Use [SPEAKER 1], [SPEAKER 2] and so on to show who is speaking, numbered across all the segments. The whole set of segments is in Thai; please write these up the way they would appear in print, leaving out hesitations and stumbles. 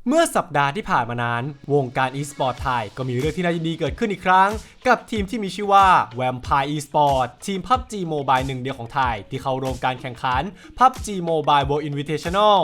[SPEAKER 1] เมื่อสัปดาห์ที่ผ่านมานั้นวงการ e-sport ไทยก็มีเรื่องที่น่ายินดีเกิดขึ้นอีกครั้งกับทีมที่มีชื่อว่า Vampire e-sport ทีม PUBG Mobile หนึ่งเดียวของไทยที่เข้าร่วมการแข่งขัน PUBG Mobile World Invitational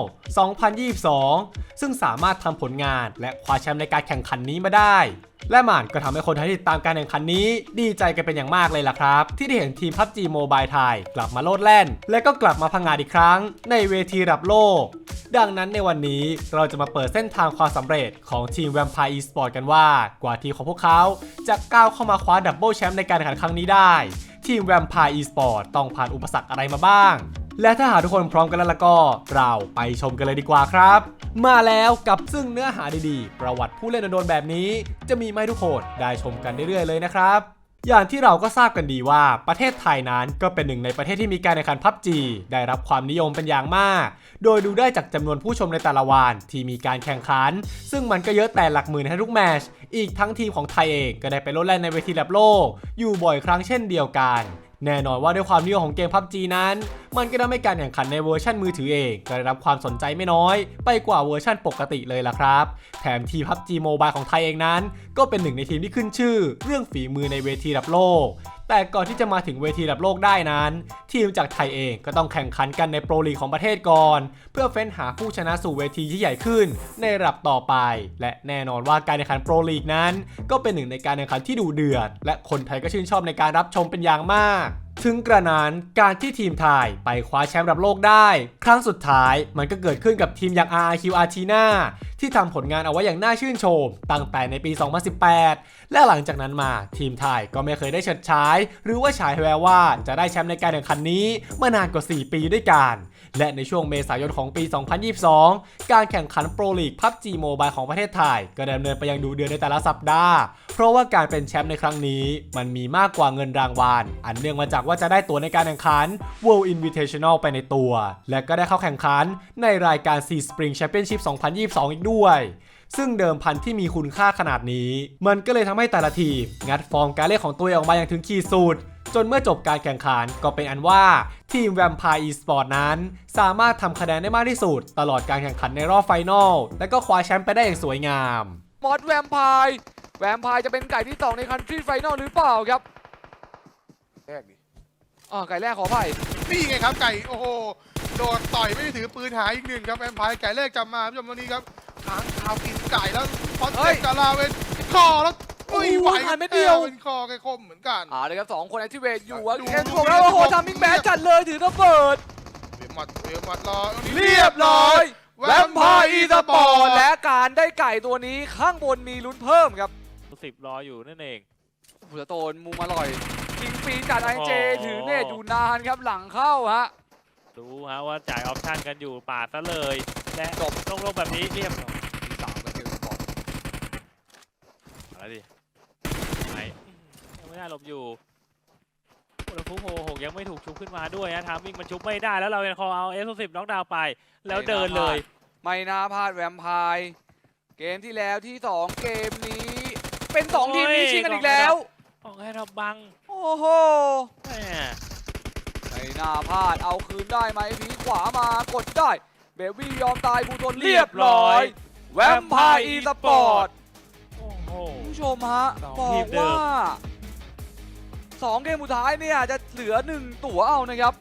[SPEAKER 1] 2022 ซึ่งสามารถทำผลงานและคว้าแชมป์ในการแข่งขันนี้มาได้และมันก็ทำให้คนไทยที่ติดตามการแข่งขันนี้ดีใจกันเป็นอย่างมากเลยล่ะครับที่ได้เห็นทีม PUBG Mobile ไทยกลับมาโลดแล่นและก็กลับมาพังงาดอีกครั้งในเวทีระดับโลกดังนั้นในวันนี้เราจะมาเปิดเส้นทางความสำเร็จของทีม Vampire e-sport กันว่ากว่าทีมของพวกเขาจะก้าวเข้ามาคว้าดับเบิลแชมป์ในการแข่งขันครั้งนี้ได้ทีม Vampire e-sport ต้องผ่านอุปสรรคอะไรมาบ้างและถ้าหากทุกคนพร้อมกันแล้วก็เราไปชมกันเลยดีกว่าครับมาแล้วกับซึ่งเนื้อหาดีๆประวัติผู้เล่นโดนๆแบบนี้จะมีมาให้ทุกคนได้ชมกันเรื่อยๆเลยนะครับอย่างที่เราก็ทราบกันดีว่าประเทศไทยนั้นก็เป็นหนึ่งในประเทศที่มีการแข่งขัน PUBG ได้รับความนิยมเป็นอย่างมากโดยดูได้จากจำนวนผู้ชมในแต่ละวันที่มีการแข่งขันซึ่งมันก็เยอะแต่หลักหมื่นให้ทุกแมตช์อีกทั้งทีมของไทยเองก็ได้ไปโลดแล่นในเวทีระดับโลกอยู่บ่อยครั้งเช่นเดียวกันแน่นอนว่าด้วยความนิยมของเกม PUBG นั้นมันก็ทำให้การแข่งขันในเวอร์ชันมือถือเองก็ได้รับความสนใจไม่น้อยไปกว่าเวอร์ชันปกติเลยล่ะครับแถมทีม PUBG Mobile ของไทยเองนั้นก็เป็นหนึ่งในทีมที่ขึ้นชื่อเรื่องฝีมือในเวทีระดับโลกแต่ก่อนที่จะมาถึงเวทีระดับโลกได้นั้นทีมจากไทยเองก็ต้องแข่งขันกันในโปรลีกของประเทศก่อนเพื่อเฟ้นหาผู้ชนะสู่เวทีที่ใหญ่ขึ้นในระดับต่อไปและแน่นอนว่าการแข่งขันโปรลีกนั้นก็เป็นหนึ่งในการแข่งขันที่ดุเดือดและคนไทยก็ชื่นชอบในการรับชมเป็นอย่างมากถึงกระนั้นการที่ทีมไทยไปคว้าแชมป์ระดับโลกได้ครั้งสุดท้ายมันก็เกิดขึ้นกับทีมอย่าง RRQ Argentina ที่ทำผลงานเอาไว้อย่างน่าชื่นชมตั้งแต่ในปี 2018 และหลังจากนั้นมาทีมไทยก็ไม่เคยได้เฉิดฉายหรือว่าฉายแววว่าจะได้แชมป์ในการแข่งขันนี้มานานกว่า 4 ปีด้วยกันและในช่วงเมษายนของปี 2022 การแข่งขันโปรลีก PUBG Mobile ของประเทศไทยก็ดำเนินไปอย่างดุเดือดในแต่ละสัปดาห์เพราะว่าการเป็นแชมป์ในครั้งนี้มันมีมากกว่าเงินรางวัลอันเนื่องมาจากว่าจะได้ตั๋วในการแข่งขัน World Invitational ไปในตัวและก็ได้เข้าแข่งขันในรายการ Sea Spring Championship 2022 อีกด้วยซึ่งเดิมพันที่มีคุณค่าขนาดนี้มันก็เลยทำให้แต่ละทีมงัดฟอร์มการเล่นของตัวเองออกมาอย่างถึงขีดสุดจนเมื่อจบการแข่งขันก็เป็นอันว่าทีม Vampire e-sport นั้นสามารถทำคะแนนได้มากที่สุดตลอดการแข่งขันในรอบไฟนอลและก็คว้าแชมป์ไปได้อย่างสวยงาม
[SPEAKER 2] มอสแวมไพร์จะเป็นไก่ที่2ในคันทรีไฟนอลหรือเปล่าครับแรกดิไก่แรกขออภัย
[SPEAKER 3] นี่ไงครับไก่โอ้โหโดนต่อยไม่ได้ถือปืนหายอีกหนึ่งครับแวมไพร์ไก่แรกจำมาผู้ชมวันนี้ครับค้างคาวกินไก่แล้วพอเจ็บกาลาเวนคอแล้วไหว
[SPEAKER 2] ไม่เดียว
[SPEAKER 3] เป็นคอไก่คมเหมือนกัน
[SPEAKER 2] เลยครับ2คนแอคทิเวตอยู่เอ็นถูกแล้วโอ้โหทำมิ่งแบดจัดเลยถือระเบิด
[SPEAKER 3] เวมัดรอ
[SPEAKER 2] เรียบร้อยแวมไพร์อีสปอร์ตและการได้ไก่ตัวนี้ข้างบนมีลุ้นเพิ่มครับ
[SPEAKER 4] 10รออยู่นั่นเอง
[SPEAKER 2] ผู้โตนมุมอร่อยยิงฟรีจากไอเจถือเนตอยู่นานครับหลังเข้าฮะ
[SPEAKER 4] รู้ฮะว่าจ่ายออปชั่นกันอยู่ปาดซะเลยและจบลงแบบนี้เรียบ
[SPEAKER 2] ที่3ก็เจอสปอร์ต
[SPEAKER 4] อะไรดิไหนยังไม่ได้หลบอยู่แล้วฟุกโหยังไม่ถูกชุบขึ้นมาด้วยนะทามมิ่งมันชุบไม่ได้แล้วเรายังคอเอาF10น็อกดาวน์ไปแล้วเดินเลย
[SPEAKER 2] ไม่น่าพลาดแวมไพร์เกมที่แล้วที่2เกมนี้เป็น2ทีมนี้ชิงกันอีกแล้ว
[SPEAKER 4] ของให้เราบัง
[SPEAKER 2] โอ้โหไม่น่าพลาดเอาคืนได้ไหมพีขวามากดได้เบบี้ยอมตายบูทนเรียบร้อยแวมไพร์อีสปอร์ตผู้ชมฮะบอกว่า2เกมสุดท้ายเนี่ยจะเหลือ1ตั๋วเอานะครับ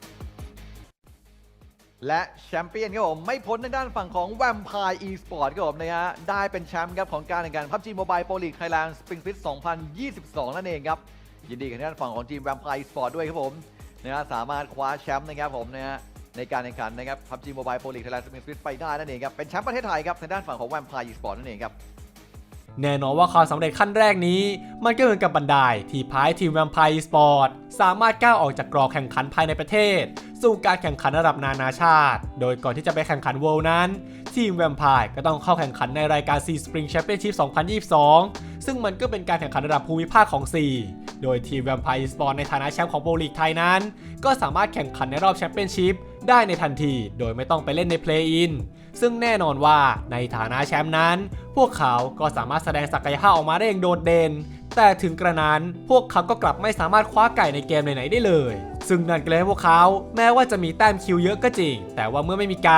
[SPEAKER 5] และแชมเปี้ยนครับผมไม่พ้นในด้านฝั่งของ Vampire e-sport ครับผมนะฮะได้เป็นแชมป์ครับของการแข่งขัน PUBG Mobile Pro League Thailand Spring Fit 2022 นั่นเองครับยินดีกับด้านฝั่งของทีม Vampire e-sport ด้วยครับผมนะฮะสามารถคว้าแชมป์นะครับผมนะฮะในการแข่งขันนะครับ PUBG Mobile Pro League Thailand Spring Fit ไปได้นั่นเองครับเป็นแชมป์ประเทศไทยครับในด้านฝั่งของ Vampire e-sport นั่นเองครับ
[SPEAKER 1] แน่นอนว่าความสำเร็จขั้นแรกนี้มันก็เหมือนกับบันไดที่พายทีม Vampire e-sport สามารถก้าวออกจากกรอบแข่งขันภายในประเทศสู่การแข่งขันระดับนานาชาติโดยก่อนที่จะไปแข่งขัน World นั้นทีม Vampire ก็ต้องเข้าแข่งขันในรายการ Sea Spring Championship 2022 ซึ่งมันก็เป็นการแข่งขันระดับภูมิภาคของ Sea โดยทีม Vampire e-sport ในฐานะแชมป์ของโปรลีกไทยนั้นก็สามารถแข่งขันในรอบแชมเปี้ยนชิพได้ในทันทีโดยไม่ต้องไปเล่นใน Play-in ซึ่งแน่นอนว่าในฐานะแชมป์นั้นพวกเขาก็สามารถแสดงศักยภาพออกมาได้อย่างโดดเด่นแต่ถึงกระนั้นพวกเขาก็กลับไม่สามารถคว้าไก่ในเกมไหนๆได้เลยซึ่งนั่นก็เลยให้พวกเขาแม้ว่าจะมีแต้มคิวเยอะก็จริงแต่ว่าเมื่อไม่มีไก่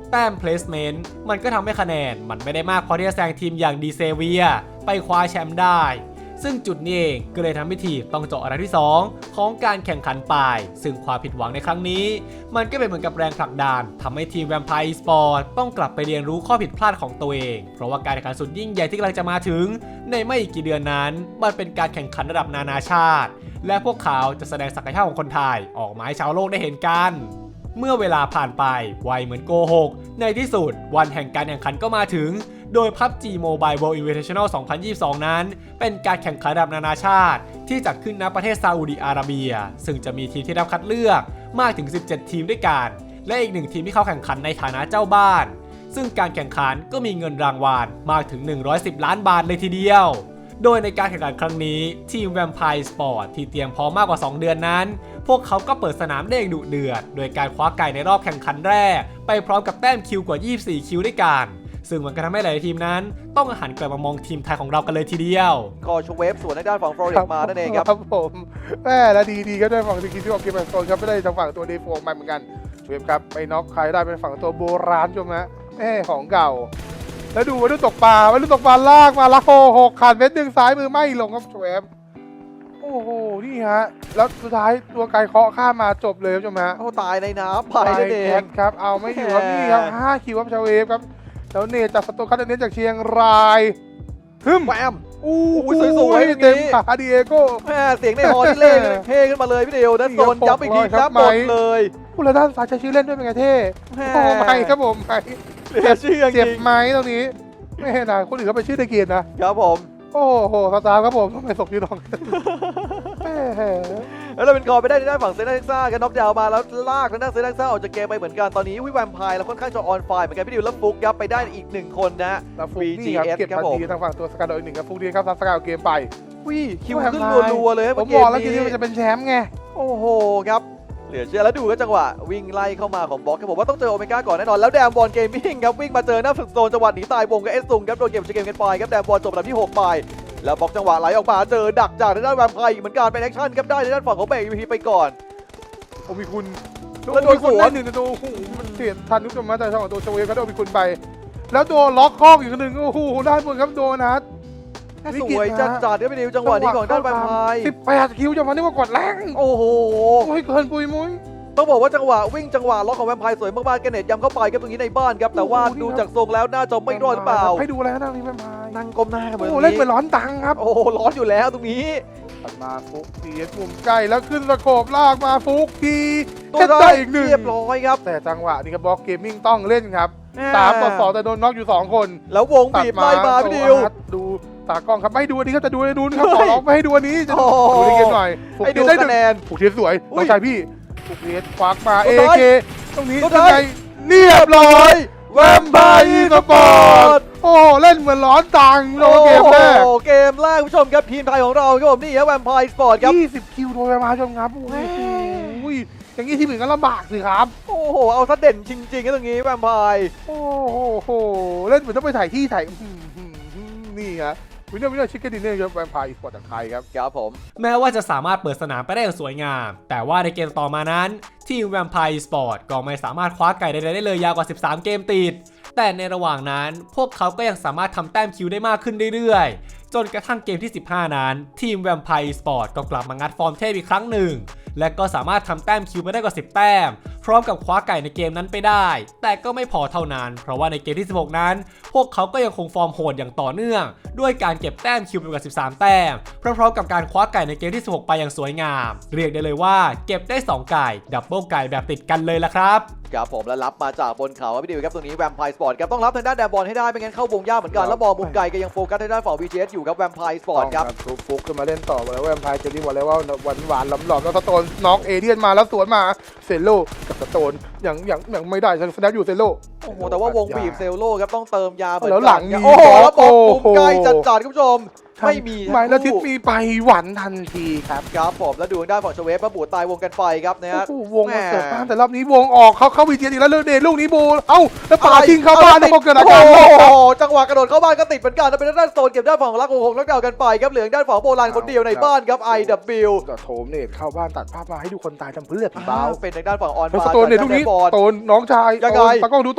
[SPEAKER 1] แต้ม placement มันก็ทำให้คะแนนมันไม่ได้มากพอที่จะแซงทีมอย่างดีเซเวียไปคว้าแชมป์ได้ซึ่งจุดนี้เองก็เลยทำให้ทีมต้องเจาะอันดับที่ 2 ของการแข่งขันไปซึ่งความผิดหวังในครั้งนี้มันก็เป็นเหมือนกับแรงผลักดันทำให้ทีม Vampire Esports ต้องกลับไปเรียนรู้ข้อผิดพลาดของตัวเองเพราะว่าการแข่งขันสุดยิ่งใหญ่ที่กำลังจะมาถึงในไม่อีกกี่เดือนนั้นมันเป็นการแข่งขันระดับนานาชาติและพวกเขาจะแสดงศักยภาพของคนไทยออกมาให้ชาวโลกได้เห็นกันเมื่อเวลาผ่านไปไวเหมือนโกหกในที่สุดวันแห่งการแข่งขันก็มาถึงโดย PUBG Mobile World Invitational 2022 นั้นเป็นการแข่งขันระดับนานาชาติที่จัดขึ้นณประเทศซาอุดิอาระเบียซึ่งจะมีทีมที่ได้รับคัดเลือกมากถึง 17 ทีมด้วยกันและอีก1ทีมที่เข้าแข่งขันในฐานะเจ้าบ้านซึ่งการแข่งขันก็มีเงินรางวัลมากถึง110 ล้านบาทเลยทีเดียวโดยในการแข่งขันครั้งนี้ทีม Vampire Esports ที่เตรียมพร้อมมากกว่า 2 เดือนนั้นพวกเขาก็เปิดสนามได้อย่างดุเดือดโดยการคว้าไก่ในรอบแข่งขันแรกไปพร้อมกับแต้มคิวกว่า 24 คิวด้วยกันซึ่งมันก็ทำให้หลายทีมนั้นต้องหันกลับมามองทีมไทยของเรากันเลยทีเดียว
[SPEAKER 5] ก็ชเวฟสวนทางด้านฝั่งฟลอริดมานั่นเองครับ
[SPEAKER 3] ครับผมแม่และดีๆก็ได้ฝั่งสกินที่ออกเกมแอนโซนครับไม่ได้ทางฝั่งตัวเดฟโฟมาเหมือนกันชเวฟครับไปน็อกใครได้เป็นฝั่งตัวโบราณชมฮะแม่ของเก่าแล้วดูวัยรุ่นตกปลาวัยรุ่นตกปลาลากมาละโหกขาดเม็ดหนึ่งซ้ายมือไม่ลงครับชเวฟโอ้โหนี่ฮะแล้วสุดท้ายตัวไกลเคาะข้ามมาจบเลยครับชมฮะ
[SPEAKER 5] โอ้ตายในน้ำไปนั่นเอง
[SPEAKER 3] ครับเอาไม่อยู่ครับนี่ครับ5คิวครับชเวฟครับแล้วเนตจากสตูคัตเนตจากเชียงรายฮึม
[SPEAKER 5] แวม
[SPEAKER 3] อู้
[SPEAKER 5] สวยๆอย่างนี้
[SPEAKER 3] เต็มขาดิเอโก้
[SPEAKER 5] แม่เสียงในฮอที่เล่นเท่ขึ้นมาเลยพี่เดียวด้านโซนย้ำอีกทีครับหมดเลย
[SPEAKER 3] ผู้ละด้านซ้ายใช้ชื่อเล่นด้วยเป็นไงเท่
[SPEAKER 5] แม่
[SPEAKER 3] โอ้ไม่ครับผมไม่
[SPEAKER 5] เหลือเชื่อจ
[SPEAKER 3] เจ็บ
[SPEAKER 5] ริง
[SPEAKER 3] ไหมตรงนี้ไม่เห็นนะคนอื่นเขาไปชื่อในเกมนะครับ
[SPEAKER 5] ผม
[SPEAKER 3] โอ้โหสตาร์ครับผมทำไมศพชื่อน้องแม่
[SPEAKER 5] แล้วเราเป็นคอไปได้ในด้านฝั่งเซนต์เท็กซ่ากันน็อกดาวน์มาแล้วลากทางด้านเซนต์เท็กซ่าออกจากเกมไปเหมือนกันตอนนี้วิแวมไพร์แล้วค่อนข้างจะออนไฟเหมือนกันพี่ดิวแล้วฟุกยับไปได้อีก1คนนะ
[SPEAKER 3] แล้วฟุกนี่ครับ
[SPEAKER 5] VGS
[SPEAKER 3] เก็บ
[SPEAKER 5] ครับ
[SPEAKER 3] ทัน
[SPEAKER 5] ผม
[SPEAKER 3] ทีทางฝั่งตัวสกัดโดยหนึ่งครับฟุกดีครับทำสกัดเอาเกมไป
[SPEAKER 5] วิคิวขึ้นรัวๆเลยครับ
[SPEAKER 3] ผม
[SPEAKER 5] เก
[SPEAKER 3] บอ
[SPEAKER 5] ม
[SPEAKER 3] กแล้วทีนี้
[SPEAKER 5] นี้
[SPEAKER 3] มันจะเป็นแชมป์ไง
[SPEAKER 5] โอ้โหครับเหลือเชื่อแล้วดูก็จังหวะวิ่งไล่เข้ามาของบล็อกครับผมว่าต้องเจอโอเมก้าก่อนแน่นอนแล้วแดมบอลเกมมิ่งครับวิ่งมาเจอหน้าฝึกโซนจังหวะหนีตายวงกับเอสซุงครับโดนเก็บเกมกันไปครับแดมบอลจบลำที่6ไปแล้วบล็อกจังหวะไหลออกมาเจอดักจากทางด้านแวมไพร์อีกเหมือนกันเป็นแอคชั่นครับได้ในด้านฝั่งของเบย์พีไปก่อน
[SPEAKER 3] โอมิคุณ
[SPEAKER 5] แล้วโดนสวน
[SPEAKER 3] ได้หนึ่งในตัวโอ้โหมันเสียทันทุกจังหวะแต่ช่องของตัวชเวฟก็โดนโอมิคุณไป แล้วโดนล็อกข้ออีกหนึ่งโอ้โหด้านบนครับโดนัท
[SPEAKER 5] สวยจัดจัดๆครับพี่ดิวจังหวะนี้ของด้านแวมไพร์
[SPEAKER 3] 18 คิวจังหวะนี้ว่ากดแรง
[SPEAKER 5] โอ้โห
[SPEAKER 3] โอ้ยเกินปุยมุ้ย
[SPEAKER 5] ต้องบอกว่าจังหวะวิ่งจังหวะล็อกของแวมไพร์สวยมากๆแกเน็ตย้ำเข้าไปครับตรงนี้ในบ้านครับแต่ว่า
[SPEAKER 3] โอ้โหนี่
[SPEAKER 5] ดู
[SPEAKER 3] ครับ
[SPEAKER 5] จากทรงแล้วน่าจะไม่รอดหรือเปล่า
[SPEAKER 3] ให้ดูแล้วนะนี่แม่พาย
[SPEAKER 5] นั่งก้มหน้ากันเหมือน
[SPEAKER 3] โอ้
[SPEAKER 5] ตรง
[SPEAKER 3] เล่นเหมื
[SPEAKER 5] นี้
[SPEAKER 3] อนร้อนตังครับ
[SPEAKER 5] โอ้โหร้อนอยู่แล้วตรงนี้
[SPEAKER 3] ตัดมาฟุกตีมุมใกล้แล้วขึ้นสะโขบลากมาฟุกที
[SPEAKER 5] ตัว
[SPEAKER 3] เก็บได้อีกหนึ่ง
[SPEAKER 5] เรียบร้อยครับ
[SPEAKER 3] แต่จังหวะนี้ครับบล็อกเกมมิ่งต้องเล่นครับ3-2แต่โดนน็อกอยู่2คน
[SPEAKER 5] แล้ววงบีบไล่มาพี่ดิว
[SPEAKER 3] ดูตากล้องครับไม่ดูอันนี้ครับจะดูอันนู้นครับขอร้องไม่ให้ดูอันนี้จะ
[SPEAKER 5] โอ้
[SPEAKER 3] ดูในเกมหน่อยฟุก
[SPEAKER 5] ให้
[SPEAKER 3] ที
[SPEAKER 5] ดู
[SPEAKER 3] ได้ห
[SPEAKER 5] คะ
[SPEAKER 3] นึ่ง
[SPEAKER 5] แนน
[SPEAKER 3] ฟุกทีสวย
[SPEAKER 5] อุ้
[SPEAKER 3] น้
[SPEAKER 5] ย
[SPEAKER 3] องชายพี่ฟุกทีควักมา
[SPEAKER 5] สุ
[SPEAKER 3] เอ
[SPEAKER 5] ดท้าย
[SPEAKER 3] เคตรงนี้
[SPEAKER 5] สุด
[SPEAKER 3] ยั
[SPEAKER 5] ท้าง ย
[SPEAKER 3] ไงเรียบร้อยแวมไพร์สปอร์ตโอ้เล่นเหมือนร้อนตังโลเกมแรก
[SPEAKER 5] โอ้โหเกมแรกผู้ชมครับทีมไทยของเราครับผมนี่ครับแวมไพร์สปอร์ตครับ
[SPEAKER 3] 20 คิวโดยประมาณชมครับโอ้โหอย่างนี้ทีมอื่นก็ลำบากสิครับ
[SPEAKER 5] โอ้โหเอาซะเด่นจริงๆครับตรงนี้แวมไพร์
[SPEAKER 3] โอ้โหเล่นเหมือนต้องไปถ่ายที่ถ่ายนี่ฮะวินเนอร์ชิคเก้นดินเนอร์ครับแวมไพร์สปอร์ตจากไทยครับ
[SPEAKER 5] ครับผม
[SPEAKER 1] แม้ว่าจะสามารถเปิดสนามไปได้อย่างสวยงาม แต่ว่าในเกมต่อมานั้นทีม Vampire Esports ก็ไม่สามารถคว้าไก่ใดๆได้เลยยาวกว่า 13 เกมติด แต่ในระหว่างนั้นพวกเขาก็ยังสามารถทำแต้มคิวได้มากขึ้นเรื่อยๆ จนกระทั่งเกมที่ 15 นั้นทีม Vampire Esports ก็กลับมางัดฟอร์มเทพอีกครั้งหนึ่ง และก็สามารถทำแต้มคิวไปได้กว่า 10 แต้ม พร้อมกับคว้าไก่ในเกมนั้นไปได้ แต่ก็ไม่พอเท่านั้น เพราะว่าในเกมที่ 16 นั้น พวกเขาก็ยังคงฟอร์มโหดอย่างต่อเนื่อง ด้วยการเก็บแต้มคิวไปกว่า 13 แต้ม พร้อมๆกับการคว้าไก่ในเกมที่ 16 ไปอย่างสวยงาม เรียกได้เลยว่าเก็บได้ 2 ไก่ ดับเบิลไก่แบบติดกันเลยละครับ
[SPEAKER 5] ครับผมแล้วรับมาจากบนเขาครับพี่ดิวครับตรงนี้แวมไพร์สปอร์ตครับต้องรับทางด้านแดนบอลให้ได้ไม่งั้นเข้าวงยากเหมือนกันแล้วบอลมุมไกลก็ยังโฟกัสทางด้านฝั่ง VGS อยู่ครับแวมไพร์สปอร์ตครับ
[SPEAKER 3] ฟุกขึ้นมาเล่นต่อแล้วแวมไพร์เจอรี่บอกแล้วว่าหวานๆหลอมๆแล้วสโตนน็อกเอเดียนมาแล้วสวนมาเซโลกับสโตนอย่างไม่ได้สแนปอยู่เซโล
[SPEAKER 5] โอ้โหแต่ว่าวงบีบเซลโลครับต้องเติมยาเหมือน
[SPEAKER 3] แล้ว
[SPEAKER 5] กัน
[SPEAKER 3] หลังมี
[SPEAKER 5] โอ้โหแล้วบอล
[SPEAKER 3] โอ้
[SPEAKER 5] มุม
[SPEAKER 3] โห
[SPEAKER 5] ไกลจัดๆคุณผู้ชมไม่มี
[SPEAKER 3] หมายแล้วทิศมีไปหวันทันทีครับ
[SPEAKER 5] ครับผมแล้วดูทางด้านฝั่งชเวฟมาบูดตายวงกันไปครับนะฮะ
[SPEAKER 3] โอ้โหวงมาเสิร์ฟบ้านแต่รอบนี้วงออกเข้าวีเจอีกแล้วเดนลูกนี้โบเอ้าแล้วป่าทิ้งเข้าบ้านแล้วพอเกิดอาการ
[SPEAKER 5] โอ้โหจังหวะกระโดดเข้าบ้านก็ติดเหมือนกันแล้วเป็นด้านโซนเก็บด้านฝั่งของรักของแล้วเดากันไปครับเหลืองด้านฝั่งโบราณคนเดียวในบ้านครับ IW
[SPEAKER 3] ก็โถมเนตเข้าบ้านตัดภาพมาให้ดูคนตายทำเพื่อผีเบา
[SPEAKER 5] เป็นทางด้านฝั่งออน
[SPEAKER 3] แล้ว
[SPEAKER 5] มา
[SPEAKER 3] สโตนเนี่ยลูกนี้
[SPEAKER 5] บอล
[SPEAKER 3] โตนน้องชาย
[SPEAKER 5] ยังไง
[SPEAKER 3] ตากล้องดูโตน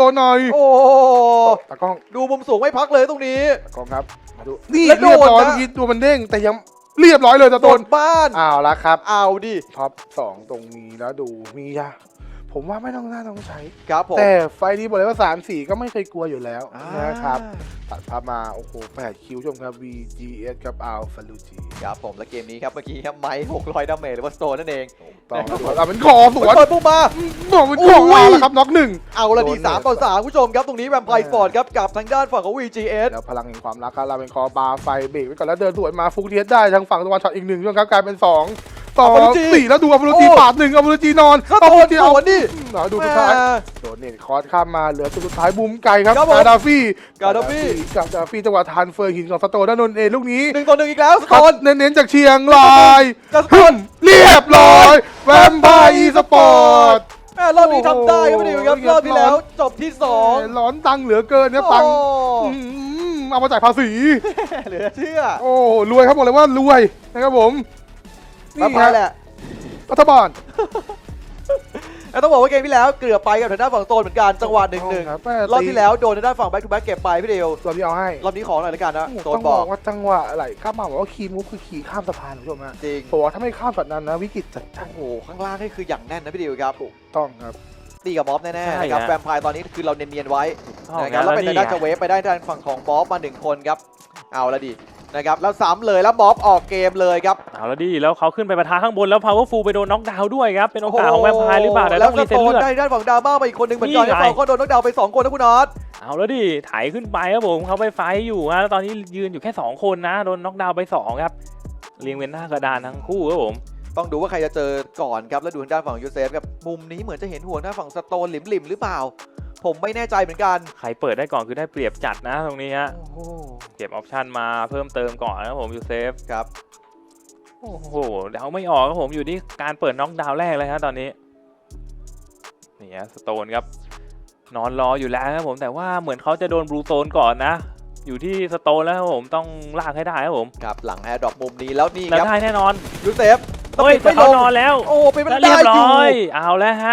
[SPEAKER 3] นหน่อย
[SPEAKER 5] โอ้
[SPEAKER 3] ตากล้อง
[SPEAKER 5] ดูมุมสูงไม่พักเลยตรงนี้
[SPEAKER 3] ตากล้องครับมาดูนี่
[SPEAKER 5] แล้วโด
[SPEAKER 3] เรีย
[SPEAKER 5] น
[SPEAKER 3] บร้อย
[SPEAKER 5] นะ
[SPEAKER 3] เมื่อกี้ตัวมันเด้งแต่ยังเรียบร้อยเลยส
[SPEAKER 5] โด
[SPEAKER 3] โตน
[SPEAKER 5] นบ้าน
[SPEAKER 3] อ้าวแล้วครับ
[SPEAKER 5] เอาดิ
[SPEAKER 3] ท็อป2ตรงนี้แล้วดูมียาผมว่าไม่ต้องน่าต้องใช้
[SPEAKER 5] ครับผม
[SPEAKER 3] แต่ไฟล์นี้บอกเลยว่า3-4ก็ไม่เคยกลัวอยู่แล้ว
[SPEAKER 5] อ่า
[SPEAKER 3] นะครับตัดภาพมาโอ้โห8คิวชมครับ VGS กับอัลฟาลูจี
[SPEAKER 5] ครับผมและเกมนี้ครับเมื่อกี้ครับไม้600ดาเมจหรือว่าสโตนนั่นเอง
[SPEAKER 3] ต้องเอาเป็นคอสวน
[SPEAKER 5] เปิดปุ๊บมา
[SPEAKER 3] บอกเป็นคอมาแล้วครับน็อกหนึ่ง
[SPEAKER 5] เอาละดี
[SPEAKER 3] โดนเลย
[SPEAKER 5] 3-3คุณผู้ชมครับตรงนี้แวมไพร์สปอร์ตครับกับทางด้านฝั่งของ VGS
[SPEAKER 3] แล้วพลังแห่งความรักครับเราเป็นคอบาร์ไฟเบรกไว้ก่อนแล้วเดินสวนมาฟุกเทียสได้ทางฝั่งตะวันช็อตอีกหนึ่งช่วงครับกลายเป็น2 2 4แล้วดูอัลฟาลูจีปาด1อัลฟาลูจีนอน
[SPEAKER 5] สโตนสวนดิ
[SPEAKER 3] ดูสุดท้าย
[SPEAKER 5] แม่
[SPEAKER 3] โดนเน็ตคอร์สข้ามมาเหลือตัวสุดท้ายบูมไก่ครับ
[SPEAKER 5] ครับผม
[SPEAKER 3] กาดาฟี่
[SPEAKER 5] กาดาฟี่
[SPEAKER 3] กับกาดาฟี่จังหวะทานเฟอร์หินของสโตนด้านนนเองลูกนี้
[SPEAKER 5] 1-1อีกแล้วส
[SPEAKER 3] ค
[SPEAKER 5] โต
[SPEAKER 3] รับ
[SPEAKER 5] น
[SPEAKER 3] เน้นๆจากเชียงราย
[SPEAKER 5] กับสโต
[SPEAKER 3] ฮึ
[SPEAKER 5] น
[SPEAKER 3] มเรียบร้อยแวมไพร์อีสปอร์ต
[SPEAKER 5] แม่รอบนี้ทำได้ครับพี่ดิวครับ
[SPEAKER 3] โอ้โห
[SPEAKER 5] รอบที่แล้วจบที่2
[SPEAKER 3] ร้อนตังค์เหลือเกินเนี่ยตังค์
[SPEAKER 5] โอ้
[SPEAKER 3] เอามาจ่ายภาษี
[SPEAKER 5] เหลือเชื่อ
[SPEAKER 3] โอ้รวยครับบอกเลยว่ารวยนะครับผม
[SPEAKER 5] มา
[SPEAKER 3] นี่
[SPEAKER 5] ไป
[SPEAKER 3] ฮะ
[SPEAKER 5] แหละ
[SPEAKER 3] รัฐบาล
[SPEAKER 5] แล้วต้องบอกว่าเกมที่แล้วเกือบไปกับทางด้านฝั่งโตนเหมือนกันจังหวะ
[SPEAKER 3] ครับ
[SPEAKER 5] 1-1รอบที่แล้วโดนทางด้านฝั่งแบ็คทูแบ็คเก็บไปพี่ดิว
[SPEAKER 3] ตัวที่เอาให้
[SPEAKER 5] รอบนี้ขอหน่อยละกันนะโต
[SPEAKER 3] ต้
[SPEAKER 5] น
[SPEAKER 3] อง
[SPEAKER 5] บบ อ
[SPEAKER 3] อก กว่าจังหวะอะไรข้ามมาบอกว่าคีมูฟคือขี่ข้ามสะพานคุณผู้ชมฮะ
[SPEAKER 5] จริง
[SPEAKER 3] บอกว่าถ้าไม่ข้ามช็อตนั้นนะวิกฤตจัด
[SPEAKER 5] โอ้โหข้างล่างนี่คืออย่างแน่นนะพี่ดิวครับ
[SPEAKER 3] ต้องครับ
[SPEAKER 5] ตีกับบ๊อบแน่ๆนะครับ
[SPEAKER 4] ใช่ฮะ
[SPEAKER 5] แวมไพร์ตอนนี้คือเราเนียนๆไว้
[SPEAKER 4] อ๋อ
[SPEAKER 5] นะครับแล้วเป็น
[SPEAKER 4] นี่
[SPEAKER 5] ทางด้านจะเวฟไปได้ทางฝั่งของบ๊อบมา1คนครับเอาละดินะครับแล้วซ้ำเลยแล้วบ๊อบออกเกมเลยครับ
[SPEAKER 4] เอาแล้วดิแล้วเขาขึ้นไปปะทะข้างบนแล้ว powerful ไปโดนน็อกดาวน์ด้วยครับเป็นโอกาสของแวมไพร์หรือเปล่าแต่
[SPEAKER 5] แล้
[SPEAKER 4] ต้
[SPEAKER 5] ว
[SPEAKER 4] อง
[SPEAKER 5] ส
[SPEAKER 4] รีเซ็ต
[SPEAKER 5] โตน
[SPEAKER 4] เลือด
[SPEAKER 5] ได้ด้านฝั่งดราม่ามาอีกคนหนึ่งเหมือนกัน
[SPEAKER 4] นี่
[SPEAKER 5] แล้ว
[SPEAKER 4] ไง
[SPEAKER 5] ฝั่งก็โดนน็อกดาวน์ไป2คนนะคุณน็อต
[SPEAKER 4] เอาแล้วดิไถขึ้นไปครับผมเขาไปไฟท์อยู่ฮะแล้วตอนนี้ยืนอยู่แค่2คนนะโดนน็อกดาวน์ไป2ครับเรียงเป็นหน้ากระดานทั้งคู่ครับผม
[SPEAKER 5] ต้องดูว่าใครจะเจอก่อนครับแล้วดูทางด้านฝั่งยูเซฟครับมุมนี้เหมือนจะเห็นห่วงทางฝั่งสโตนหลิมๆหรือเปล่า ผมไม่แน่ใจเหมือนกัน
[SPEAKER 4] ใครเปิดได้ก่อนคือได้เปรียบจัดนะตรงนี้ฮะ
[SPEAKER 5] โอ้โห
[SPEAKER 4] เก็บออปชันมาเพิ่มเติมก่อนนะครับผมยูเซฟ
[SPEAKER 5] ครับ
[SPEAKER 4] โอ้โหเดาไม่ออกครับผมอยู่ที่การเปิดน็อกดาวน์แรกเลยฮะตอนนี้นี่ฮะสโตนครับนอนรออยู่แล้วครับผมแต่ว่าเหมือนเขาจะโดนบลูโซนก่อนนะ อยู่ที่สโตนแล้วครับผมต้องลากให้ได้ครับผม
[SPEAKER 5] ครับหลังแอร์ดรอปมุมนี้แล้วนี่
[SPEAKER 4] แล้ว
[SPEAKER 5] ครับ
[SPEAKER 4] ได้แน่นอน
[SPEAKER 5] ยูเซฟ
[SPEAKER 4] เฮ้ยแต่
[SPEAKER 5] ไม่ล
[SPEAKER 4] เขา
[SPEAKER 5] ง
[SPEAKER 4] นอนแล้ว
[SPEAKER 5] โอ้เป็นไม่
[SPEAKER 4] แล้ว
[SPEAKER 5] ได้
[SPEAKER 4] เรียบ
[SPEAKER 5] อ
[SPEAKER 4] ร้
[SPEAKER 5] ยู่
[SPEAKER 4] อยเอาแล้วฮะ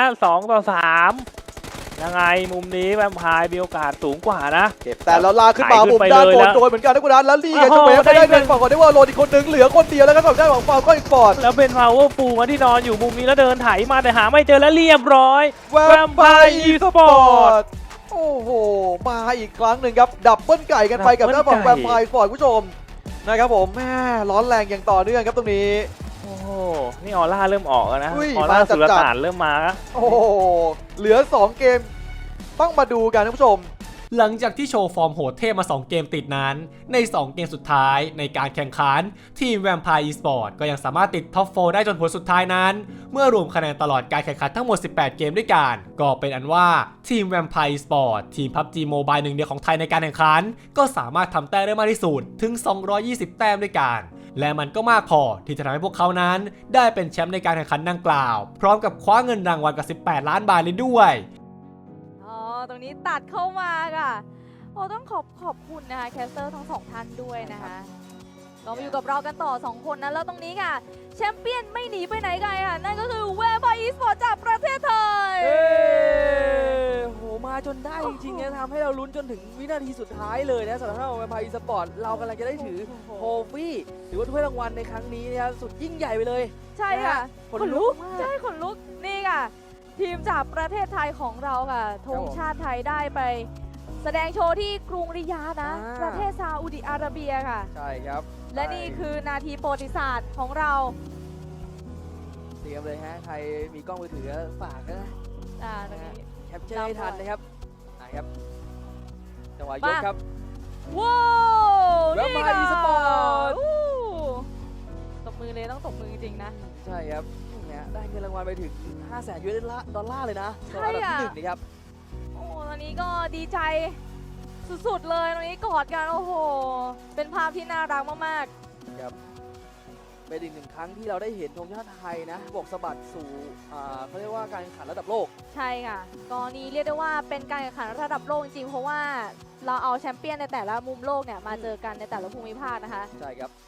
[SPEAKER 4] 2-3ยังไงมุมนี้แวมไพร์มีโอกาสสูงกว่านะ
[SPEAKER 5] เก็บแต่เราลากขึ้นมา
[SPEAKER 4] ไถขึ้น
[SPEAKER 5] มุม
[SPEAKER 4] ไป
[SPEAKER 5] ด้าน
[SPEAKER 4] เลย
[SPEAKER 5] บน
[SPEAKER 4] นะ
[SPEAKER 5] โดนเหมือนกันนะคุณนัทแล้วลี่กับ
[SPEAKER 4] โอ้
[SPEAKER 5] จะ
[SPEAKER 4] โห
[SPEAKER 5] เวฟไปได้
[SPEAKER 4] ได้
[SPEAKER 5] เป็นฝั่งของเดวอลโรนอีกคนหนึ่งเหลือคนเดียวแล้วก็ฝั่งด้านของฟาร์มก็อีกฟอร์ด
[SPEAKER 4] แล้วเป็น powerful มาที่นอนอยู่มุมนี้แล้วเดินไถมาแต่หาไม่เจอแล้วเรียบร้อย
[SPEAKER 5] แวมไพร์อีสปอร์ตโอ้โหมาอีกครั้งหนึ่งครับดับเบิ้ลไก่กันไปกับด้านฝั่งแวมไพร์อีสปอร์ตคุณผู้ชมนะครับผมแม่ร้อนแรงอย่างต่อเนื่องครับตรงนี้
[SPEAKER 4] โอ้โหนี่ออร่าเริ่มออกแล้วนะ
[SPEAKER 5] อุ้ย
[SPEAKER 4] ออร่า
[SPEAKER 5] มาจัด
[SPEAKER 4] สุลต่านเริ่มมาแล้ว
[SPEAKER 5] โอ้โหเหลือ2เกมต้องมาดูกันท่านผู้ชม
[SPEAKER 1] หลังจากที่โชว์ฟอร์มโหดเทพมา 2 เกมติดนั้น ใน 2 เกมสุดท้ายในการแข่งขัน ทีม Vampire Esports ก็ยังสามารถติดท็อป 4 ได้จนผลสุดท้ายนั้น เมื่อรวมคะแนนตลอดการแข่งขันทั้งหมด 18 เกมด้วยกัน ก็เป็นอันว่าทีม Vampire Esports ทีม PUBG Mobile หนึ่งเดียวของไทยในการแข่งขัน ก็สามารถทำแต้มได้มากที่สุดถึง 220 แต้มด้วยกัน และมันก็มากพอที่จะทำให้พวกเขานั้น ได้เป็นแชมป์ในการแข่งขันดังกล่าว พร้อมกับคว้าเงินรางวัลกับ 18 ล้านบาทเลยด้วย
[SPEAKER 6] อ๋อ ตรงนี้ตัดเข้ามาค่ะ โอ้ต้องขอบคุณนะคะแคสเตอร์ทั้งสองท่านด้วยนะคะเรามาอยู่กับเรากันต่อ 2 คนนะ แล้วตรงนี้ค่ะ แชมเปี้ยนไม่หนีไปไหนไกลค่ะ นั่นก็คือแวมไพร์อีสปอร์ตจากประเทศไทย
[SPEAKER 2] เอ้โหมาจนได้จริงๆนะทำให้เราลุ้นจนถึงวินาทีสุดท้ายเลยนะสำหรับทางแวมไพร์อีสปอร์ตเรากำลังจะได้ถือโทฟี่หรือว่าถ้วยรางวัลในครั้งนี้นะครับสุดยิ่งใหญ่ไปเลย
[SPEAKER 6] ใช่ค่ะ
[SPEAKER 2] ขนลุกมาก
[SPEAKER 6] ใช่ขนลุก นี่ค่ะ ทีมจากประเทศไทยของเราค่ะธงชาติไทยได้ไป แสดงโชว์ที่กรุงริยาดนะ ประเทศซาอุดิอาระเบียค่ะ
[SPEAKER 2] ใช่ครับ
[SPEAKER 6] และนี่คือนาทีประวัติศาสตร์ของเรา
[SPEAKER 2] เตรียมเลยฮะใครมีกล้องมือถือฝากนะ
[SPEAKER 6] ตรงนี้
[SPEAKER 2] แคปเจอร์ให้ทันนะครับครับจังหวะยก
[SPEAKER 6] มา
[SPEAKER 2] ครับ
[SPEAKER 6] ว้าว
[SPEAKER 2] Vampire
[SPEAKER 6] นี่ค่ะ
[SPEAKER 2] Esports
[SPEAKER 6] อู้ตบมือเลยต้องตบมือจริงๆนะ
[SPEAKER 2] ใช่ครับเนี่ยได้เงินรางวัลไปถึง 500,000 US ดอลลาร์เลยนะ
[SPEAKER 6] ใช่
[SPEAKER 2] สำหรับอันดับ
[SPEAKER 6] อะ
[SPEAKER 2] ที่1นี่ครับ
[SPEAKER 6] โอ้ตอนนี้ก็ดีใจสุดๆเลยตรงนี้กอดกันโอ้โห เป็นภาพที่น่ารักมาก
[SPEAKER 2] เป็นอีกหนึ่งครั้งที่เราได้เห็นธงชาติไทยนะบกสะบัดสู่เขาเรียกว่าการแข่งขันระดับโลก
[SPEAKER 6] ๆ ใช่ค่ะกรณีเรียกได้ว่าเป็นการแข่งขันระดับโลกจริงๆ เพราะว่าเราเอาแชมเปี้ยนในแต่ละมุมโลกเนี่ยมาเจอกันในแต่ละภูมิภาคนะคะ
[SPEAKER 2] ใช่ครับ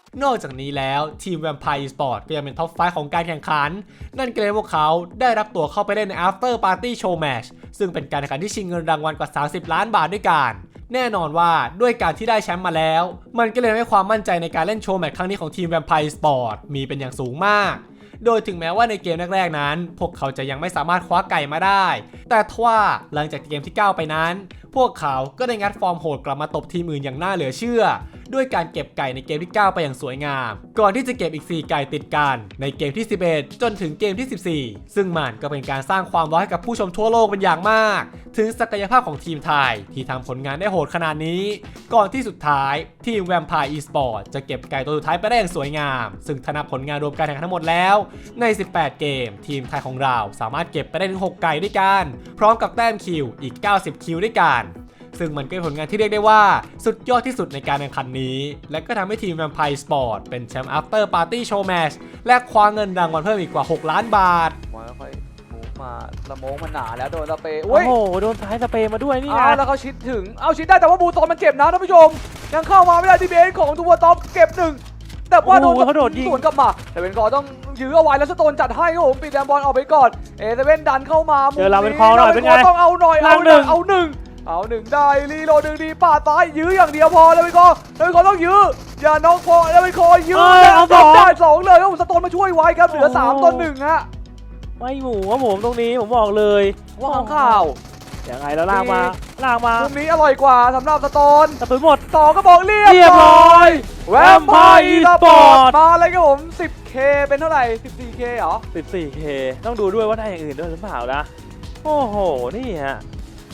[SPEAKER 1] นอกจากนี้แล้วทีม Vampire Esports ก็ยังเป็นท็อป 5 ของการแข่งขันนั่นก็เลยพวกเขาได้รับตัวเข้าไปเล่นใน After Party Show Match ซึ่งเป็นการแข่งขันที่ชิงเงินรางวัลกว่า30 ล้านบาทด้วยกันแน่นอนว่าด้วยการที่ได้แชมป์มาแล้วมันก็เลยทำให้ความมั่นใจในการเล่นโชว์แมตช์ครั้งนี้ของทีม Vampire Esports มีเป็นอย่างสูงมากโดยถึงแม้ว่าในเกมแรกๆนั้นพวกเขาจะยังไม่สามารถคว้าไก่มาได้แต่ทว่าหลังจากเกมที่9ไปนั้นพวกเขาก็ได้งัดฟอร์มโหดกลับมาตบทีมอื่นอย่างน่าเหลือเชื่อด้วยการเก็บไก่ในเกมที่9ไปอย่างสวยงามก่อนที่จะเก็บอีก4ไก่ติดกันในเกมที่11จนถึงเกมที่14ซึ่งมันก็เป็นการสร้างความร้อนให้กับผู้ชมทั่วโลกเป็นอย่างมากถึงศักยภาพของทีมไทยที่ทำผลงานได้โหดขนาดนี้ก่อนที่สุดท้ายทีม Vampire Esports จะเก็บไก่ตัวสุดท้ายไปได้อย่างสวยงามซึ่งถ้านับผลงานรวมการแข่งขันทั้งหมดแล้วใน18เกมทีมไทยของเราสามารถเก็บไปได้ถึง6ไก่ด้วยกันพร้อมกับแต้มคิวอีก90คิวด้วยกันซึ่งมันก็เป็นผลงานที่เรียกได้ว่าสุดยอดที่สุดในการแข่งขันนี้และก็ทำให้ทีม Vampire Esports เป็นแชมป์ After Party Show Match และคว้าเงินรางวัลเพิ่มอีกกว่า6ล้านบาท
[SPEAKER 2] ค่อยๆมูฟมาละโมงมันหนาแล้วโดนสเปรย์
[SPEAKER 4] โอ้โหโดนท้ายสเปรย์มาด้วยนี่
[SPEAKER 2] แล้วเขาชิดถึงชิดได้แต่ว่าบูโตนมันเจ็บนะท่านผู้ชมยังเข้ามาไม่ได้ดีเบนของตัวท็อปเก็บ1แต่ว่าโดนสวนกลับมาแต่เป็นกอต้องยื้อเอาไว้แล้วสโตนจัดให้ครับผมปิดแดมบอลออกไปก่อนเเซเว่นดันเข้ามา
[SPEAKER 4] เจอเราเป็นคอหน่อยเป็นไง
[SPEAKER 2] ต้องเอาหน่อยเอา1ได้รีโหลด1ดีปาดซ้ายยื้ออย่างเดียวพอแล้วเป็นกอต้องยื้ออย่าน้องพอแล้วเป็นคอยื้อได้2เลยครับสโตนมาช่วยไว้ครับเหลือ3ต่อ1ฮะ
[SPEAKER 4] ไม่หมูครับผมตรงนี้ผมบอกเลย
[SPEAKER 2] ว่าข้างข่าว
[SPEAKER 4] ยังไงแล้วลากมา
[SPEAKER 2] มุมนี้อร่อยกว่าสำหรับสโตน
[SPEAKER 4] กระสุนหมด
[SPEAKER 2] ต่อก็บอกเรียบร้อยแวมไพร์อีสปอร์ตมาเลยครับผม 10K เป็นเท่าไหร่ 14K เหรอ
[SPEAKER 4] 14K ต้องดูด้วยว่าได้อย่างอื่นด้วยหรือเปล่านะโอ้โหนี่ฮะ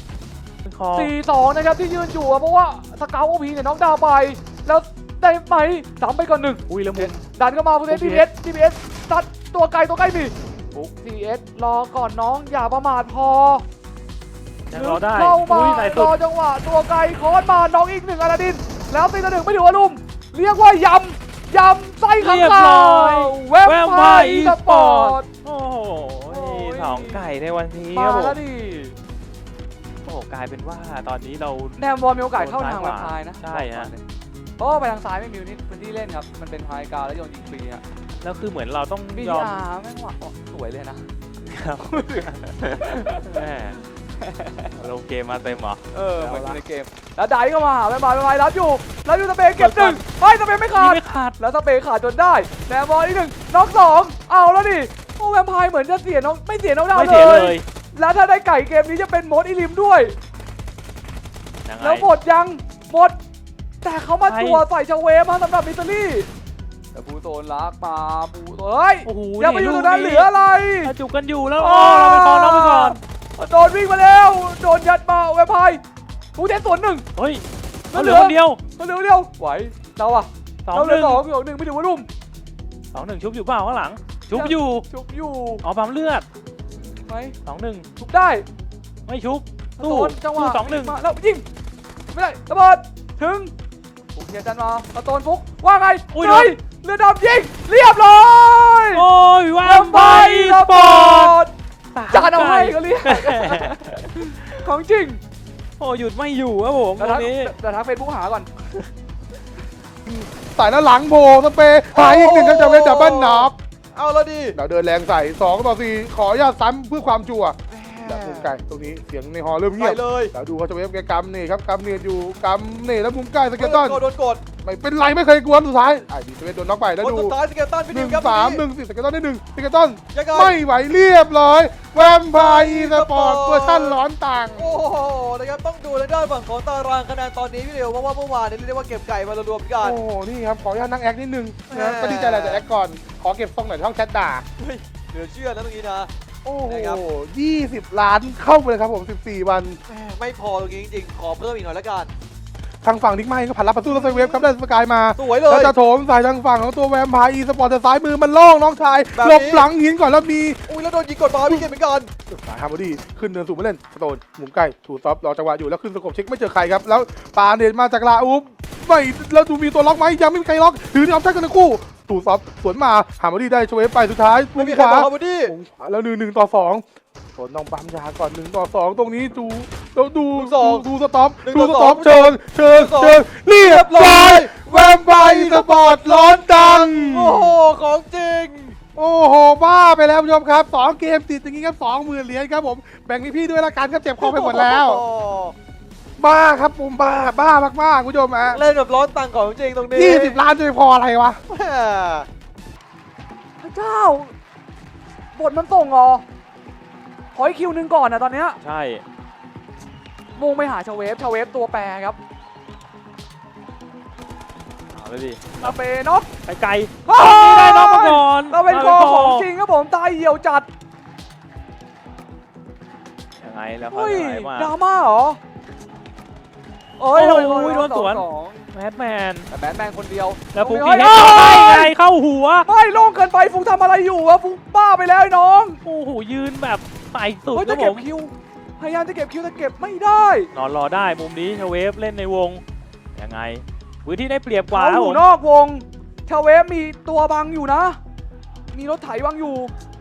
[SPEAKER 2] 4-2นะครับที่ยืนอยู่เพราะว่าสเกลโอพีเนี่ยน้องดาวไปแล้วได้ไหมซ้ำไปก่อน1อุ้ยแล้วมุมดันเข้ามาผู้เล่น TPS ตัดตัวไกลมีปุ๊ก TS รอก่อนน้องอย่าประมาทพอ
[SPEAKER 4] รอได้
[SPEAKER 2] เข้ามารอจังหวะตัวไกลคอนมาน้องอีก1อลาดินแล้วตี1ไม่ถือว่าลุ่มเรียกว่ายำไส้ข้างคาวแวมไพร์อีสปอร์ต
[SPEAKER 4] โอ้โห2ไก่ในวันนี้
[SPEAKER 2] มาแล้วดิ
[SPEAKER 4] โอ้กลายเป็นว่าตอนนี้เรา
[SPEAKER 2] แนมบอลมีโอกาสเข้าทางแวมไพร์นะ
[SPEAKER 4] ใช่ฮะ
[SPEAKER 2] เพราะว่าไปทางซ้ายไม่มีพื้นที่เล่นครับมันเป็นไฮกราวแล้วโยนยิงฟรีฮะ
[SPEAKER 4] แล้วคือเหมือนเราต้อง
[SPEAKER 2] ยอมแม่งว่ะสวยเลยนะ
[SPEAKER 4] ลงเกมมาเต็มเหรอ
[SPEAKER 2] เหมือนในเกมแล้วไดเข้ามาหาแวมไพร์รับอยู่สเปย์เก็บ1ไม่สเปย์ไม่ขาดแล้วสเปย์ขาดจนได้แนมบอลอีก1น็อก2เอาแล้วดิโอ้แวมไพร์เหมือนจะเสียน้องไม่เสียน้องดาวเลยแล้วถ้าได้ไก่เกมนี้จะเป็นโหมดอิลิมด้วยแล้วหมดแต่เขามาตัวใส่ชาเวมาสำหรับมิสซิลี่แต่บูโซนลักมาบูโซนอย่าไปอยู่ตรงนั้นเหลืออะไร
[SPEAKER 4] จุกกันอยู่แล้วเราไปก่อน
[SPEAKER 2] โดนวิ่งมาแล้วโดนยัดมาแวมไพร์บูเทสส่วน1
[SPEAKER 4] เฮ้ยเหลือคนเดียว
[SPEAKER 2] ไหวเราอะเราเหลือ2-1ไม่ถือว่ารุ่ม
[SPEAKER 4] 2-1ชุบอยู่เปล่าข้างหลังชุบอยู่ปั๊มเลือด
[SPEAKER 2] ไหม
[SPEAKER 4] 2-1
[SPEAKER 2] ชุบได้
[SPEAKER 4] ไม่ชุบ
[SPEAKER 2] ตู้จังหวะ
[SPEAKER 4] 2-1
[SPEAKER 2] แล้วยิงไม่ได้ระเบิดถึงปุ๊กเฮียจันมาตะโตนฟุกว่าไงเรือดำยิงเรียบร้อย
[SPEAKER 4] โอ้ยแวมไพร์อีสปอร์ต
[SPEAKER 2] จานเอาให้ก็เรียกของจริง
[SPEAKER 4] โอ้หยุดไม่อยู่ครับผมตรงนี้
[SPEAKER 2] แต่ทักเฟซบุ๊กหาก่อน
[SPEAKER 3] สายหน้าหลังโผล่สเปย์หายอีก1ครับจะเป็นดับเบิลน็อก
[SPEAKER 5] เอาแล้วดิ
[SPEAKER 3] เราเดินแรงใส่2-4ขออนุญาตซ้ำเพื่อความชัวร์แบบมุมไกลตรงนี้เสียงในฮอเริ่มเงียบ
[SPEAKER 5] เลย
[SPEAKER 3] เราดูเขาจะเวฟแกกำนี่ครับกำเนี่ยอยู่กำนี่แล้วมุมใกล้สเกลตัน
[SPEAKER 5] โดนกด
[SPEAKER 3] ไม่เป็นไรไม่เคยกลัวสุดท้ายดีสเปนโดนน็อกไปแล้วดู
[SPEAKER 5] สุดท้ายสเกลตันพี่ดิวครับ
[SPEAKER 3] 1-3-1-4สเกลตันได้1สเกลตันไม่ไหวเรียบร้อยแวมไพร์อีสปอร์ตเวอร์ชันร้อนต่าง
[SPEAKER 5] โอ้โหนะครับต้องดูในด้านฝั่งของตารางคะแนนตอนนี้พี่ดิวเพราะว่าเมื่อวานนี้เรียกว่าเก็บไก่มารวมกัน
[SPEAKER 3] โอ้โหนี่ครับขออนุญาตนั่งแอคนิดนึงนะก็ดีใจแหละแต่แอคก่อนขอเก็บทรงหน่อยช่องแชทด่า
[SPEAKER 5] เหลือเชื่อนะตรงนี้นะ
[SPEAKER 3] โอ้โห20 ล้านเข้าไปเลยครับผม14 วัน
[SPEAKER 5] ไม่พอตรงนี้จริงๆขอเพิ่มอีกหน่อยแล้วกัน
[SPEAKER 3] ทางฝั่งนิกไมค์ก็ผ่านรับประตูแล้วเวฟครับได้สกายมา
[SPEAKER 5] สวยเลย
[SPEAKER 3] แล้วจะโถมใส่ทางฝั่งของตัวแวมไพร์อีสปอร์ตแต่ซ้ายมือมันโล่งน้องชายหลบหลังหินก่อนแล้วมี
[SPEAKER 5] แล้วโดนยิงกดมาพี่เกมเหมือนกัน
[SPEAKER 3] สายฮาร์บอดี้ขึ้นเนินสูงมาเล่นสโตนหมุนใกล้ถูซอฟรอจังหวะอยู่แล้วขึ้นสกบเช็คไม่เจอใครครับแล้วปาเนตมาจากลาอูฟไม่แล้วดูมีตัวล็อกไหมยังไม่มีใครล็อกถือออปชั่นกันทั้งคู่ถูซอฟสวนมาฮาร์บอดี้ได้ชเวฟไปสุดท้ายมุมขวาแล้ว1-2โดนน้องปั๊มยาก่อน1-2ตรงนี้ดูสต็อปเชิญเรียบร้อยแวมไพร์สปอร์ตร้อนมครับ2เกมติดอย่างงี้ครับ20,000 เหรียญครับผมแบ่งให้พี่ด้วยละกันครับเจ็บคอไปหมดแล้ว
[SPEAKER 2] โอ้
[SPEAKER 3] บ้าครับผมบ้ามากๆคุณผู้ชมฮะ
[SPEAKER 2] เล่นแบบร้อนตังค์ของจริงตรงนี้
[SPEAKER 3] 20 ล้านจะไปพออะไรวะ
[SPEAKER 2] แม่พระเจ้าบทมันส่งเหรอขออีกคิวหนึ่งก่อนนะตอนเนี้ย
[SPEAKER 4] ใช่
[SPEAKER 2] มุ่งไปหาชาเวฟตัวแปรครับ
[SPEAKER 4] เอาเลยดิ
[SPEAKER 2] ลาเปน็อก
[SPEAKER 4] ไกล
[SPEAKER 2] อ้า
[SPEAKER 4] ๆได้น้องมาก่อน
[SPEAKER 2] เราเป็นคอของจริงครับผมตายเหี่ยวจัด
[SPEAKER 4] ยังไงแล้วเขา
[SPEAKER 2] เฮ้ย
[SPEAKER 4] จะไหนมา
[SPEAKER 2] ดราม่าเหรอเอ้ย
[SPEAKER 4] โอ้
[SPEAKER 2] ทำไม
[SPEAKER 4] ยโดนสวน
[SPEAKER 2] สอง
[SPEAKER 4] แมดแมน
[SPEAKER 2] แต่แบทแมนคนเดียว
[SPEAKER 4] แล้วฟุก
[SPEAKER 2] เฮ้
[SPEAKER 4] กี้
[SPEAKER 2] ย
[SPEAKER 4] เฮ็ด
[SPEAKER 2] เอ้ย
[SPEAKER 4] ได้ไงเข้าหัว
[SPEAKER 2] ไม่โล่งเกินไปฟุกทำอะไรอยู่วะฟุกบ้าไปแล้วไอ้น้อง
[SPEAKER 4] โอ้โหยืนแบบใส่สุด
[SPEAKER 2] เฮ้ย
[SPEAKER 4] ครั
[SPEAKER 2] จะ
[SPEAKER 4] บผ
[SPEAKER 2] เก็บ
[SPEAKER 4] ม
[SPEAKER 2] คิวพยายามจะเก็บคิวแต่เก็บไม่ได้
[SPEAKER 4] นอนรอได้มุมนี้ชาเวฟเล่นในวงยังไงพื้นที่ได้เปรียบกว่า
[SPEAKER 2] เขา
[SPEAKER 4] ครับ
[SPEAKER 2] อ
[SPEAKER 4] ผ
[SPEAKER 2] ยู่
[SPEAKER 4] ม
[SPEAKER 2] นอกวงชาเวฟมีตัวบังอยู่นะ มีรถไถบังอยู่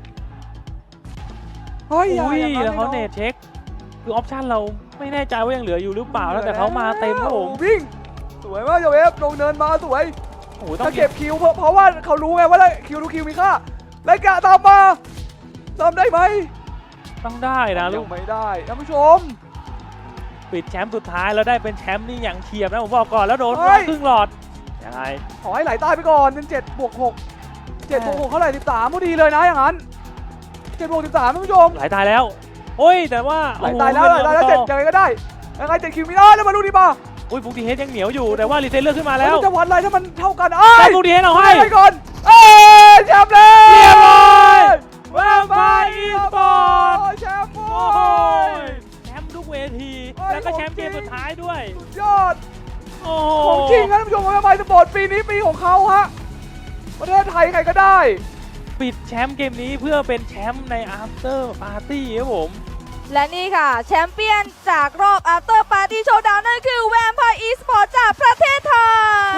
[SPEAKER 2] เฮ้ยอย่า
[SPEAKER 4] อุ้ย
[SPEAKER 2] อย่างนั้น
[SPEAKER 4] แล้วเขา
[SPEAKER 2] ไอ้
[SPEAKER 4] เน
[SPEAKER 2] อง
[SPEAKER 4] ตเช็คคือออปชั่นเราไม่แน่ใจว่ายังเหลืออยู่หรือเปล่าแล้วแต่เขามาเต็มครับผม
[SPEAKER 2] วิ่งสวยมากชาเวฟลงเนินมาสวย
[SPEAKER 4] โอ้โหต้อ
[SPEAKER 2] ถ้าง เก็บคิวเพราะว่าเขารู้ไงว่าคิวทุกคิวมีค่าแล้วกะตามมาทำได้ไหม
[SPEAKER 4] ต้องได้นะลู
[SPEAKER 2] ยั
[SPEAKER 4] ก
[SPEAKER 2] งไม่ได้ท่านผู้ชม
[SPEAKER 4] ปิดแชมป์สุดท้ายแล้วได้เป็นแชมป์นี่อย่างเฉียบนะผมบอกก่อนแล้วโดน
[SPEAKER 2] เฮ้ย
[SPEAKER 4] ครึ่งหลอดยังไง
[SPEAKER 2] ขอให้ไหลใต้ไปก่อนเป็น7+6เท่าไหร่13พอดีเลยนะอย่างนั้น7+13ท่านผู้ชม
[SPEAKER 4] หลายตายแล้วโอ้ยแต่ว่า
[SPEAKER 2] ไหลตายแล้วไหลตายแล้ว7ยังไงก็ได้ยังไง7คิวไม่ได้แล้วมาดูดิป่ะ
[SPEAKER 4] อุ้ยฟุกดีเฮดยังเหนียวอยู่แต่ว่ารีเซ็ตเลือกขึ้นมาแล้ว
[SPEAKER 2] มันจะวัดอะไรถ้ามันเท่ากัน
[SPEAKER 4] แต่ฟุกดีเฮดเอาให้
[SPEAKER 2] ไปก่อนแชมป์เลย
[SPEAKER 4] เรียบร้อย
[SPEAKER 2] แวมไพร์อีสปอร์ตแชมป์โว้
[SPEAKER 4] โอ้โห
[SPEAKER 2] ย
[SPEAKER 4] แชมป์ทุกเวที
[SPEAKER 2] เฮ้ย
[SPEAKER 4] แล้วก็แชมป์
[SPEAKER 2] ของจริ
[SPEAKER 4] เก
[SPEAKER 2] ง
[SPEAKER 4] มสุดท้ายด้วย
[SPEAKER 2] สุดยอด
[SPEAKER 4] โอ้โห
[SPEAKER 2] ของจริงนะท่านผู้ชมแวมไพร์สปอร์ตปีนี้ปีของเขาฮะประเทศไทยใครก็ได้
[SPEAKER 4] ปิดแชมป์เกมนี้เพื่อเป็นแชมป์ใน after party ครับผม
[SPEAKER 6] และนี่ค่ะ แชมเปี้ยนจากรอบ After Party Showdown นั่นคือ Vampire Esports จากประเทศไทย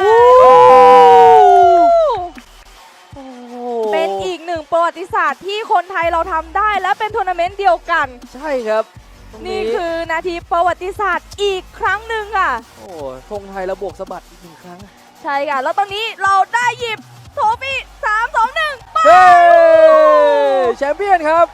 [SPEAKER 6] เป็นอีกหนึ่งประวัติศาสตร์ที่คนไทยเราทำได้และเป็นทัวร์นาเมนต์เดียวกัน
[SPEAKER 2] ใช่ครับตรง
[SPEAKER 6] นี่คือนาทีประวัติศาสตร์อีกครั้งหนึ่งค่ะ
[SPEAKER 2] โอ้ธงไทยระบวกสะบัดอีกหนึ่งครั้ง
[SPEAKER 6] ใช่ค่ะ แล้วตอนนี้เราได้หยิบโทฟี่3 2 1
[SPEAKER 2] เฮ้แชมเปี้ยนครับ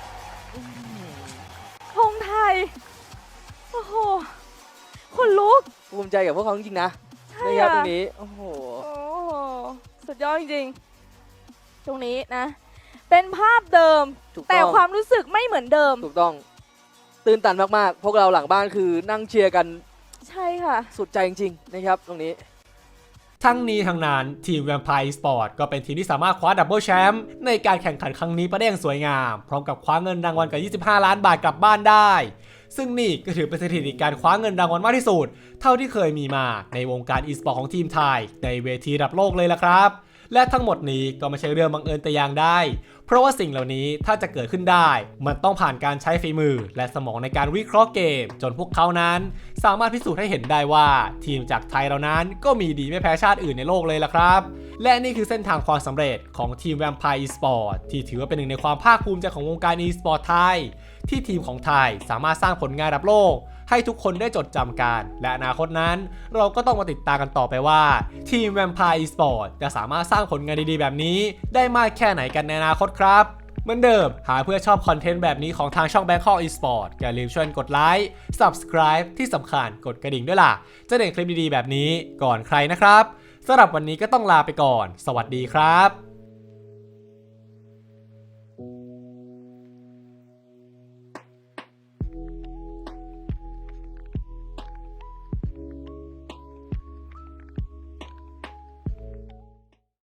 [SPEAKER 6] ธงไทย โอ้โห คนลุก
[SPEAKER 2] ภูมิใจกับพวกเขาจริงๆนะ
[SPEAKER 6] ใช่
[SPEAKER 2] นะครับ
[SPEAKER 6] อะ
[SPEAKER 2] ตรงนี้โอ้โห
[SPEAKER 6] โอ้โห สุดยอดจริงๆ ตรงนี้นะ เป็นภาพเดิม
[SPEAKER 2] ถูก
[SPEAKER 6] แต่
[SPEAKER 2] ต้อง
[SPEAKER 6] ความรู้สึกไม่เหมือนเดิม
[SPEAKER 2] ถูกต้องตื่นตันมากๆ พวกเราหลังบ้านคือนั่งเชียร์กัน
[SPEAKER 6] ใช่ค่ะ
[SPEAKER 2] สุดใจจริงๆนะครับตรงนี้
[SPEAKER 1] ทั้งนี้ทั้งนั้นทีม Vampire Esports ก็เป็นทีมที่สามารถคว้าดับเบิลแชมป์ในการแข่งขันครั้งนี้ไปได้อย่างสวยงาม พร้อมกับคว้าเงินรางวัลกับ25 ล้านบาทกลับบ้านได้ ซึ่งนี่ก็ถือเป็นสถิติการคว้าเงินรางวัลมากที่สุด เท่าที่เคยมีมาในวงการ e-sport ของทีมไทยในเวทีระดับโลกเลยละครับ และทั้งหมดนี้ก็ไม่ใช่เรื่องบังเอิญแต่อย่างใดเพราะว่าสิ่งเหล่านี้ถ้าจะเกิดขึ้นได้มันต้องผ่านการใช้ฝีมือและสมองในการวิเคราะห์เกมจนพวกเขานั้นสามารถพิสูจน์ให้เห็นได้ว่าทีมจากไทยเรานั้นก็มีดีไม่แพ้ชาติอื่นในโลกเลยล่ะครับและนี่คือเส้นทางความสำเร็จของทีม Vampire Esports ที่ถือว่าเป็นหนึ่งในความภาคภูมิใจของวงการ e-sport ไทยที่ทีมของไทยสามารถสร้างผลงานระดับโลกให้ทุกคนได้จดจำกันและอนาคตนั้นเราก็ต้องมาติดตามกันต่อไปว่าทีม Vampire Esports จะสามารถสร้างผลงานดีๆแบบนี้ได้มากแค่ไหนกันในอนาคตครับเหมือนเดิมหากเพื่อชอบคอนเทนต์แบบนี้ของทางช่อง Bangkok Esports อย่าลืมช่วยกดไลค์ Subscribe ที่สำคัญกดกระดิ่งด้วยล่ะจะได้เห็นคลิปดีๆแบบนี้ก่อนใครนะครับสำหรับวันนี้ก็ต้องลาไปก่อนสวัสดีครับ